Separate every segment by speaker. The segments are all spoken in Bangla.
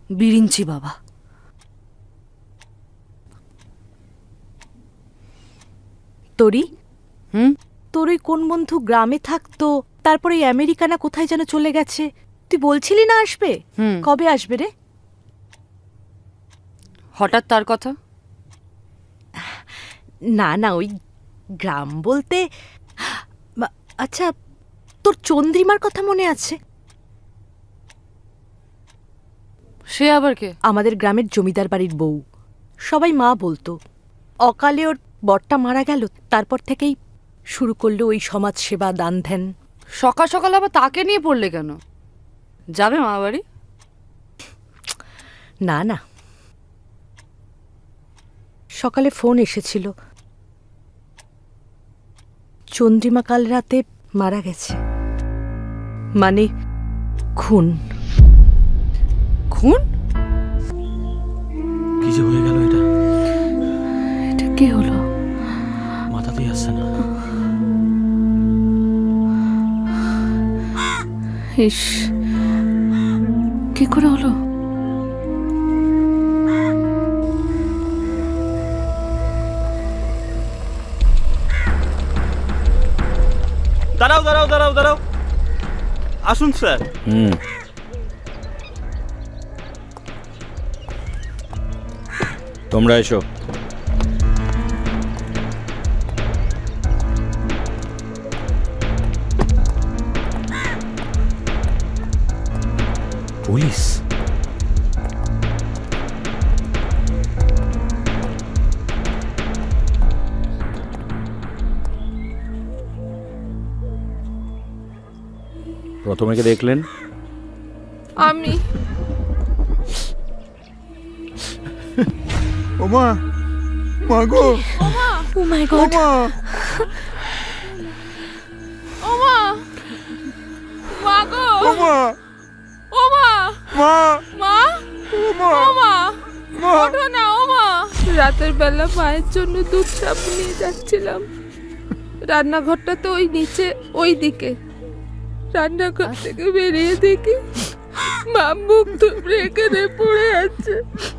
Speaker 1: বিরিঞ্চি বাবা। তোরি তোর ওই কোন বন্ধু গ্রামে থাকতো, তারপরে এই আমেরিকা না কোথায় যেন চলে গেছে, তুই বলছিলি না আসবে? কবে আসবে রে?
Speaker 2: হঠাৎ তার কথা?
Speaker 1: না না, ওই গ্রাম বলতে আচ্ছা, তোর চন্দ্রিমার কথা মনে আছে?
Speaker 2: সে আবার কে?
Speaker 1: আমাদের গ্রামের জমিদার বাড়ির বউ, সবাই মা বলতো। অকালে ওর বরটা মারা গেল, তারপর থেকেই শুরু করলো ওই সমাজ সেবা, দান ধ্যান।
Speaker 2: সকাল সকাল আবার তাকে নিয়ে পড়লে কেন? যাবে মা বাড়ি?
Speaker 1: না না, সকালে ফোন এসেছিল, চন্দ্রিমা কাল রাতে মারা গেছে, মানে খুন।
Speaker 2: খুন?
Speaker 3: কি যে হয়ে গেল এটা?
Speaker 1: এটা কি হলো?
Speaker 3: মাথাতেই আসছে না।
Speaker 1: ইস, কি করে হলো?
Speaker 3: দাঁড়াও দাঁড়াও দাঁড়াও দাঁড়াও, আসুন স্যার।
Speaker 4: তোমরা এসো।
Speaker 3: পুলিশ?
Speaker 4: প্রথমে কে দেখলেন?
Speaker 2: আমি।
Speaker 5: ওমা, মা গো,
Speaker 1: ও মাই গড,
Speaker 5: মা,
Speaker 2: ওমা, মা গো,
Speaker 5: ওমা,
Speaker 2: ওমা,
Speaker 5: মা,
Speaker 2: মা,
Speaker 5: ওমা,
Speaker 2: ওমা,
Speaker 5: মা,
Speaker 2: ওঠো না ওমা। রাতের বেলা মায়ের জন্য দুধ সাপ নিয়ে যাচ্ছিলাম, রান্নাঘরটা তো ওই নিচে ওই দিকে। রান্নাঘর থেকে বেরিয়ে দেখি মা মুখ থুবড়ে এখানে পড়ে আছে।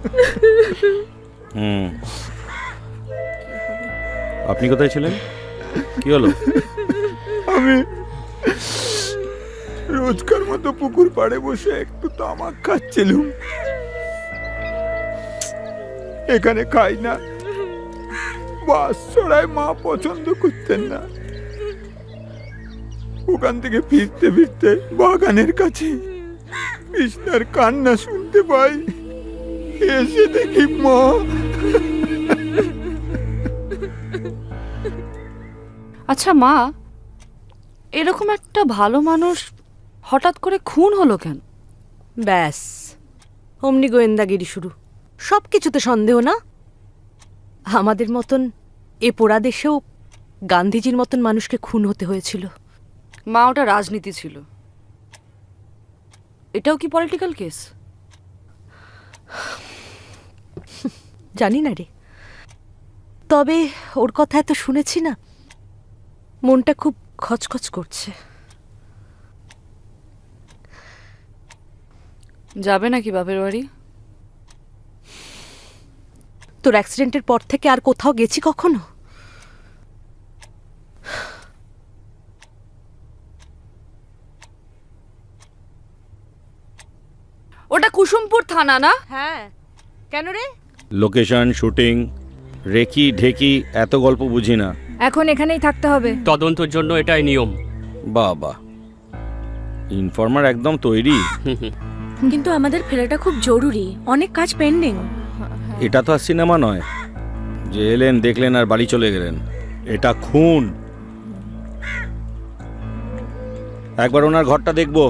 Speaker 4: আপনি কোথায় ছিলেন? কি হলো?
Speaker 5: আমি রোজকার মতো পুকুর পাড়ে বসে একটু তামাক খাচ্ছিলুম। এখানে খাই না, বাস ছড়ায় মা পছন্দ করতেন না। ওখান থেকে ফিরতে ফিরতে বাগানের কাছে কৃষ্ণার কান্না শুনতে পাই। এসে দেখি মা।
Speaker 2: আচ্ছা মা, এরকম একটা ভালো মানুষ হঠাৎ করে খুন হলো কেন?
Speaker 1: ব্যাস অমনি গোয়েন্দাগিরি শুরু, সব কিছুতে সন্দেহ না? আমাদের মতন এ পোড়া দেশেও গান্ধীজির মতন মানুষকে খুন হতে হয়েছিল।
Speaker 2: মা, ওটা রাজনীতি ছিল, এটাও কি পলিটিক্যাল কেস?
Speaker 1: জানি না রে, তবে ওর কথা এত শুনেছি না, মনটা খুব খচখচ করছে।
Speaker 2: যাবে নাকি বাপের বাড়ি?
Speaker 1: তোর অ্যাক্সিডেন্টের পর থেকে আর কোথাও গেছি কখনো?
Speaker 2: ওটা কুসুমপুর থানা না?
Speaker 1: হ্যাঁ, কেন রে?
Speaker 4: লোকেশন, শুটিং, রেকি ঢেকি এত গল্প বুঝি না।
Speaker 6: এখন এখানেই থাকতে হবে।
Speaker 7: তদন্তের জন্য এটাই নিয়ম।
Speaker 4: বাবা, ইনফর্মার একদম তৈরি।
Speaker 6: কিন্তু আমাদের ফেরাটা খুব জরুরি, অনেক কাজ পেন্ডিং।
Speaker 4: এটা তো আর সিনেমা নয় যে এলেন দেখলেন আর বাড়ি চলে গেলেন। এটা খুন। একবার ওনার ঘরটা দেখবো।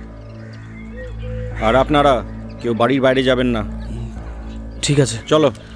Speaker 4: আর আপনারা কেউ বাড়ির বাইরে যাবেন না।
Speaker 3: ঠিক আছে,
Speaker 4: চলো।